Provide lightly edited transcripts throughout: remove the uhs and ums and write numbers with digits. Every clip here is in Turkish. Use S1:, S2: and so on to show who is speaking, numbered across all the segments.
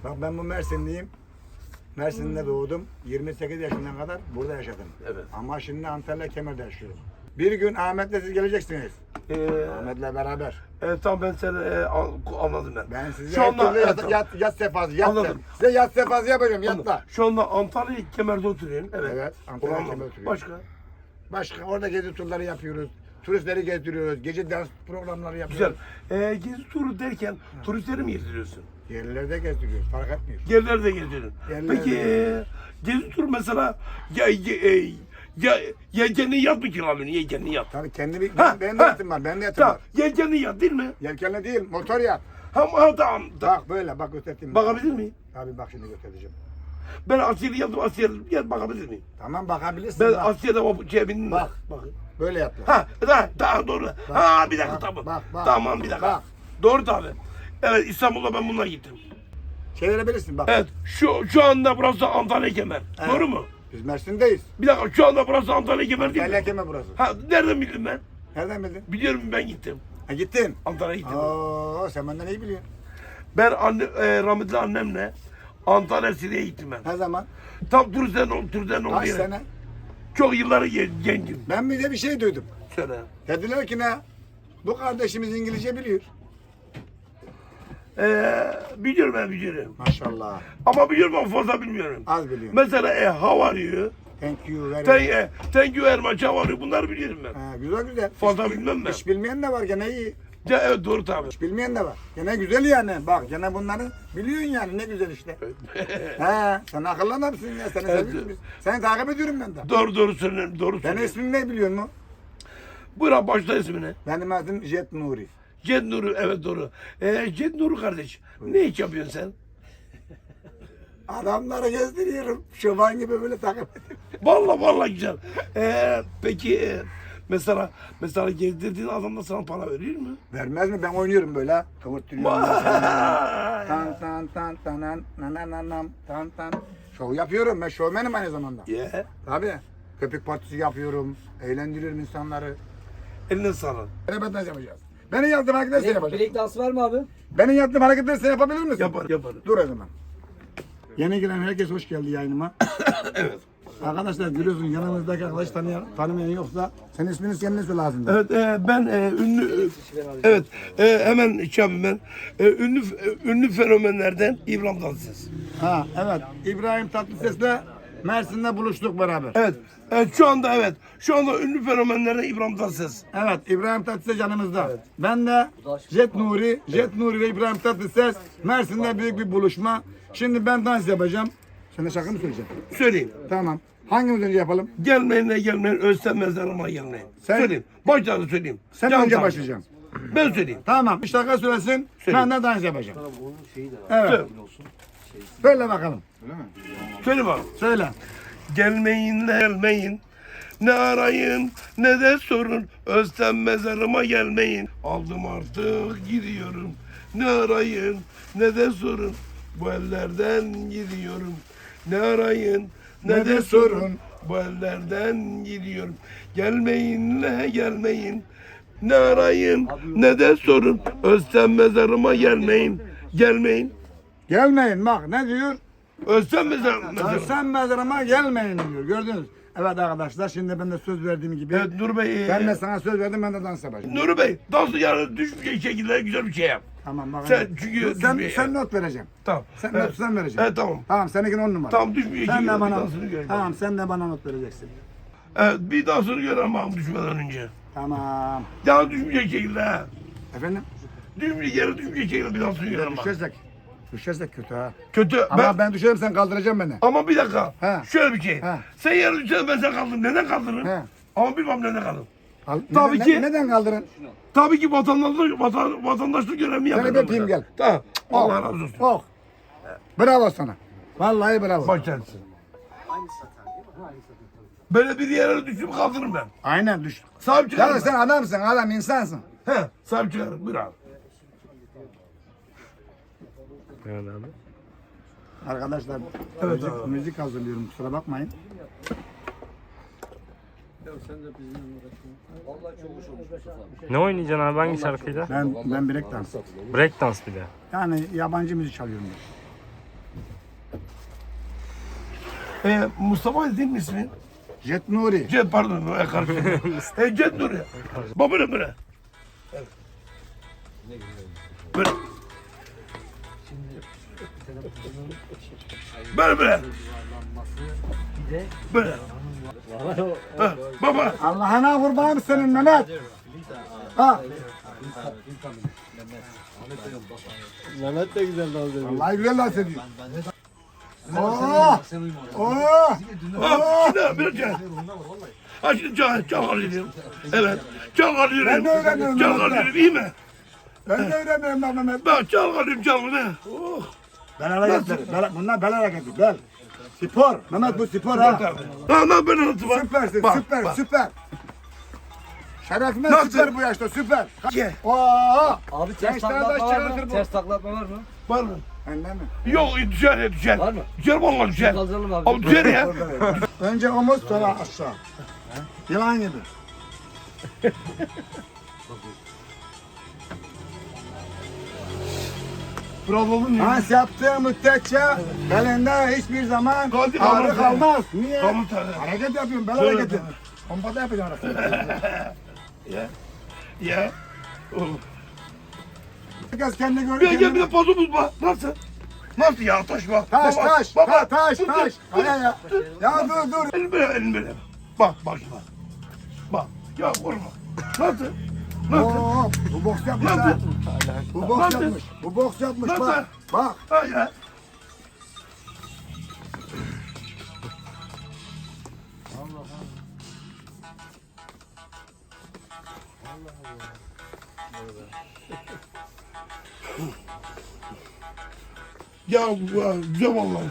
S1: Bak ben bu Mersinliyim. Mersin'de doğdum. 28 yaşından kadar burada yaşadım.
S2: Evet.
S1: Ama şimdi Antalya Kemer'de yaşıyorum. Bir gün Ahmet'le siz geleceksiniz. Ahmet'le beraber.
S2: Tamam ben seni anladım ben.
S1: Ben size
S2: Şu
S1: her
S2: anda
S1: türlü yat sefası, yat
S2: Anladım.
S1: Size yat sefası yapacağım, yatla.
S2: Şu anda Antalya Kemer'de oturuyorum. Evet.
S1: Evet, Antalya
S2: Ulan,
S1: Kemer'de oturuyorum.
S2: başka?
S1: Başka orada gezi turları yapıyoruz. Turistleri gezdiriyoruz. Gece dans programları yapıyoruz.
S2: Güzel. Gezi turu derken turistleri mi gezdiriyorsun?
S1: Yerlerde gezdiriyoruz. Fark etmiyor.
S2: Yerlerde de gezdiriyorsun.
S1: Yerlerde
S2: Peki gezi turu mesela yelkenli yat mı kiralıyorsun? Yelkenli yat.
S1: Tabii kendi
S2: Ha,
S1: benim de
S2: ha.
S1: yatım var. Benim de yatım
S2: Tamam.
S1: var.
S2: Yelkenli yat değil mi?
S1: Yelkenli değil, motor yat.
S2: Tamam.
S1: Bak böyle, bak göstereyim.
S2: Bakabilir miyim?
S1: Tabii bak şimdi göstereceğim.
S2: Ben Asya'da yattım. Asya'da bakabilir miyim?
S1: Tamam bakabilirsin.
S2: Ben
S1: bak.
S2: Asya'da o şeye bindim.
S1: Bak.
S2: Bakın.
S1: Böyle yatla.
S2: Daha doğru. Ha bir dakika
S1: bak,
S2: tamam.
S1: bak, bak.
S2: Tamam bir dakika.
S1: Bak.
S2: Doğru tabii. Evet İstanbul'da ben bununla gittim.
S1: Çevirebilirsin bak.
S2: Evet şu anda burası Antalya Kemer.
S1: Evet.
S2: Doğru mu?
S1: Biz Mersin'deyiz.
S2: Bir dakika şu anda burası Antalya Kemer değil
S1: Antalya
S2: mi?
S1: Kemer burası.
S2: Ha nereden bildim ben?
S1: Nereden bildin?
S2: Biliyorum ben gittim.
S1: Ha gittin.
S2: Antalya'ya gittim.
S1: Oo sen benden iyi biliyorsun.
S2: Ben rahmetli annemle Antalya Sire'ye gittim ben.
S1: Ne zaman?
S2: Tam turistlerin olduğu
S1: Kaç
S2: yere.
S1: sene?
S2: Çok yılları gencim.
S1: Ben bir de bir şey duydum.
S2: Söyle.
S1: Dediler ki ne? Bu kardeşimiz İngilizce biliyor.
S2: Biliyorum ben biliyorum.
S1: Maşallah.
S2: Ama biliyorum ama fazla bilmiyorum.
S1: Az biliyorum.
S2: Mesela how are you?
S1: Thank you very much.
S2: Thank you very much. How are you? Bunları biliyorum ben.
S1: Ha, güzel güzel.
S2: Fazla bilmem ben.
S1: Hiç bilmeyen de var gene iyi.
S2: Evet doğru tabii.
S1: Hiç bilmeyen de var. Gene güzel yani. Bak gene bunları biliyorsun yani ne güzel işte. He sen akıllı adamsın ya. Seni
S2: Evet.
S1: seviyoruz biz. Seni takip ediyorum ben de.
S2: Doğru söylüyorum. Doğru
S1: Senin
S2: söylüyorum.
S1: ismin ne biliyor musun?
S2: Buyur başla ismini.
S1: Benim adım Jet Nuri.
S2: Ced Nuru evet doğru. Ced Nuru kardeş. Ne iş yapıyorsun sen?
S1: Adamları gezdiriyorum. Şoban gibi böyle takip ediyorum.
S2: Vallahi güzel. Peki mesela gezdirdiğin adam da sana para veriyor mu?
S1: Vermez mi? Ben oynuyorum böyle. ha. Kıvırttırıyorum.
S2: Vay!
S1: Tan tan tan tanan nanananam tan tan. Şov yapıyorum. Ben şovmenim aynı zamanda.
S2: Yeah.
S1: Tabii. Köpek partisi yapıyorum. Eğlendiriyorum insanları.
S2: Eline sağlık.
S1: Beraber yapacağız. Benim yaptığım hareketleri sen yapacaksın.
S3: Break dansı var mı abi?
S1: Benim yaptığım hareketleri sen yapabilir misin?
S2: Yaparım.
S1: Dur o zaman. Yeni giren herkes hoş geldi yayınıma.
S2: Evet.
S1: Arkadaşlar görüyorsun yanımızdaki arkadaş tanımayan yoksa senin ismini kendine söyle ağzında.
S2: Evet ben ünlü evet hemen şey yapayım ben ünlü fenomenlerden İbrahim Tatlıses.
S1: Ha evet. İbrahim Tatlıses'le Mersin'de buluştuk beraber.
S2: Evet şu anda ünlü fenomenlerden İbrahim Tatlıses.
S1: Evet İbrahim Tatlıses yanımızda. Ben de Jet Nuri ve İbrahim Tatlıses Mersin'de büyük bir buluşma. Şimdi ben dans yapacağım. Sen de şarkı mı söyleyeceksin?
S2: Söyleyeyim.
S1: Tamam. Hangimiz önce yapalım?
S2: Gelmeyin ölsem mezarıma gelmeyin.
S1: Sen-
S2: Söyleyeyim. Baştan söyleyeyim.
S1: Sen
S2: Can
S1: önce
S2: Tanrı.
S1: başlayacaksın.
S2: Ben söyleyeyim.
S1: Tamam. Bir şarkı söylesin. Ben de dans yapacağım. Evet.
S2: Söyle.
S1: Söyle bakalım.
S2: Söyle bak.
S1: Söyle.
S2: Gelmeyin. Ne arayın ne de sorun. Özlem mezarıma gelmeyin. Aldım artık gidiyorum. Ne arayın ne de sorun. Bu ellerden gidiyorum. Ne arayın ne de sorun. Bu ellerden gidiyorum. Gelmeyin. Ne arayın ne de sorun. Özlem mezarıma gelmeyin.
S1: Gelmeyin bak ne diyor?
S2: Özlem mezarıma.
S1: Sen mezarıma gelmeyin diyor. Gördünüz. Evet arkadaşlar şimdi ben de söz verdiğim gibi.
S2: Evet Nur Bey.
S1: Ben de sana söz verdim ben de dans yapacağım.
S2: Nuri Bey, dansı yani düşmeyecek şekilde güzel bir şey yap.
S1: Tamam bak.
S2: Sen çünkü
S1: sen
S2: düşmeyecek.
S1: not vereceğim.
S2: Tamam.
S1: Sen
S2: Evet.
S1: not sen vereceksin.
S2: Evet tamam.
S1: Tamam seninkini 10 numara.
S2: Tamam düşmeyecek
S1: Sen
S2: şekilde
S1: de
S2: bir
S1: bana
S2: dansını görelim.
S1: Tamam sen de bana not vereceksin.
S2: Evet bir dansını görelim abi düşmeden önce.
S1: Tamam.
S2: Ya düşmeyecek şekilde ha.
S1: Efendim?
S2: Yere düşmeyecek şekilde bir dansını görelim abi.
S1: Düşersek kötü ha.
S2: Kötü.
S1: Ama ben düşerim sen kaldıracaksın beni.
S2: Ama bir dakika.
S1: He.
S2: Şöyle bir şey.
S1: He.
S2: Sen yere düşersen ben sen kaldırırım. Neden kaldırırım?
S1: He.
S2: Ama bilmem neden kaldırırım.
S1: Tabii
S2: ki-
S1: Neden kaldırın?
S2: Tabii ki vatandaşlık görevimi yapıyorum.
S1: Seni öpeyim gel.
S2: Tamam. Allah
S1: Oh,
S2: razı olsun.
S1: Oh. Bravo sana. Vallahi bravo.
S2: Başlarsın. Böyle bir yere düşüp kaldırırım ben.
S1: Aynen düş.
S2: Sahip çıkarım.
S1: Ya sen adamsın adam insansın.
S2: He, sahip çıkarım. Buyur abi.
S4: Evet abi.
S1: Arkadaşlar
S2: Evet
S1: müzik,
S2: abi.
S1: müzik hazırlıyorum kusura bakmayın.
S4: Ne oynayacaksın abi hangi şarkıyla?
S1: Ben break dans.
S4: Break dans bir de.
S1: Yani yabancı müzik çalıyorum ben.
S2: Mustafa değil mi ismin?
S1: Jet Nuri.
S2: Cet pardon. Karıştırdım. Cet Nuri. Bak böyle böyle. Evet. Böyle. Böyle böyle. Böyle. Ha, baba.
S1: Allah'ına kurbanım senin Mehmet. Ha.
S3: Mehmet de güzel dans ediyor.
S1: Vallahi güzel dans ediyor. Oo. Oo.
S2: Şimdi bir can. Ha şimdi can alıyorum. Evet. Can alıyorum.
S1: Ben de öğreniyorum
S2: Can
S1: Mehmet'ten.
S2: alıyorum iyi mi?
S1: Ben de öğreniyorum lan Mehmet.
S2: Ben can alıyorum can ne? Oh.
S1: Bel hareketleri. Bunlar bel hareketi. Bel. Spor. Mehmet bu spor ha.
S2: Lan ben anlatayım bak.
S1: Süpersin.
S2: Bak,
S1: Süper.
S2: bak.
S1: Süper. Şerefime
S2: Nasıl?
S1: süper bu yaşta. Süper.
S2: Ye.
S1: Oo.
S5: Abi ters
S1: Gençler
S5: taklatma
S1: de
S5: var
S1: çıkartır
S5: mı?
S1: bu.
S5: Ters taklatma var mı?
S2: Var mı?
S1: Bende mi?
S2: Yok düşer düşer.
S5: Var mı?
S2: Düşer vallahi düşer.
S5: Kaldıralım abi.
S2: Abi düşer ya.
S1: Önce omuz sonra aşağı. Yılan gibi.
S2: Bravo.
S1: Dans yaptığı müddetçe belinde hiçbir zaman
S2: Kaldı,
S1: ağrı
S2: kaldı.
S1: kalmaz. Niye?
S2: Kaldı tabii.
S1: Hareket yapıyorum, bel
S2: Şöyle
S1: hareketi.
S2: tabii.
S1: Pompada yapacağım arasında.
S2: Ya. Ya. Oh.
S1: Herkes kendi
S2: Bir
S1: görüyor.
S2: gel bir de pozumuz bak. Nasıl? Nasıl ya taş bak.
S1: Taş,
S2: Baba,
S1: taş,
S2: baba.
S1: taş,
S2: Dur,
S1: taş.
S2: dur,
S1: Hadi ya. Ya dur.
S2: Elini böyle elini böyle. Bak bak bak. Bak. Ya vurma. Nasıl? Nasıl?
S1: Oo, bu boks yapmış ha.
S2: Nasıl?
S1: Bu boks
S2: Nasıl?
S1: yapmış. Bu boks yapmış
S2: Nasıl?
S1: bak. Bak.
S2: Ha ya. Ya güzel vallahi.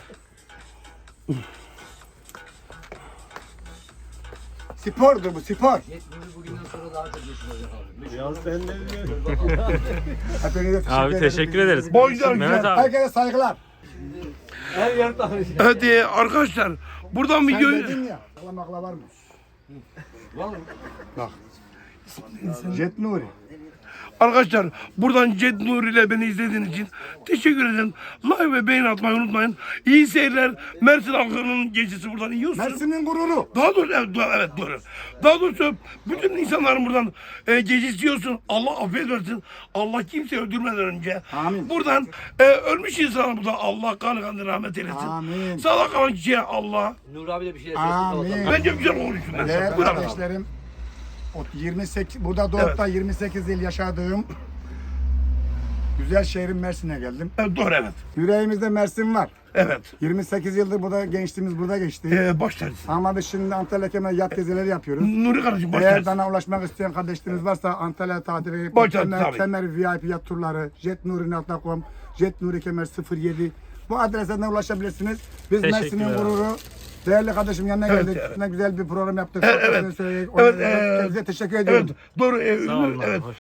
S1: Spordur bu, spor.
S5: Bugünden sonra daha çok meşhur olacak abi.
S3: Ya sen ne diyorsun?
S1: Hepinize
S4: Abi teşekkür ederiz.
S2: Boylar
S4: Mehmet
S2: güzel.
S4: abi.
S1: Herkese saygılar.
S5: Her yer tanış.
S2: Hadi arkadaşlar buradan
S1: Sen
S2: videoyu
S1: dedin ya. Makla var mı?
S5: Var mı?
S1: Bak. Jet Nuri.
S2: arkadaşlar buradan Cet Nuri ile beni izlediğiniz için teşekkür ederim. Like ve beğeni atmayı unutmayın. İyi seyirler. Mersin halkının gecesi buradan yiyorsun.
S1: Mersin'in gururu.
S2: Daha doğrusu evet doğru. Daha doğrusu bütün insanların buradan gecesi yiyorsun. Allah affet versin. Allah kimseyi öldürmeden önce.
S1: Amin.
S2: Buradan ölmüş insana buradan Allah kanı kanı rahmet eylesin.
S1: Amin.
S2: Sağlık kalan kişiye Allah.
S5: Nur abi de bir şey
S1: Amin.
S2: Bence güzel konuştun. ben.
S1: Değerli
S2: Buyur abi.
S1: kardeşlerim, o 28 burada doğup da 28 yıl yaşadığım güzel şehrim Mersin'e geldim.
S2: Evet, doğru evet.
S1: Yüreğimizde Mersin var.
S2: Evet.
S1: 28 yıldır burada gençliğimiz burada geçti.
S2: Baş tacısın.
S1: Ama biz şimdi Antalya Kemer yat gezileri yapıyoruz.
S2: Nuri kardeşim baş
S1: Eğer
S2: tacısın.
S1: bana ulaşmak isteyen kardeşleriniz varsa Antalya tatili,
S2: Başlar, tabii.
S1: Kemer VIP yat turları, jetnuri.com, jetnuri kemer 07 bu adresten ulaşabilirsiniz. Biz
S4: Teşekkürler
S1: Mersin'in
S4: abi.
S1: gururu. Değerli kardeşim yanına
S2: Evet,
S1: geldik.
S2: evet.
S1: Ne güzel bir program yaptık.
S2: Evet,
S1: Sohbetini söyledik.
S2: Evet,
S1: Kendinize teşekkür ediyorum.
S2: Evet, doğru.
S4: Sağ olun abi,
S2: Evet.
S4: hoş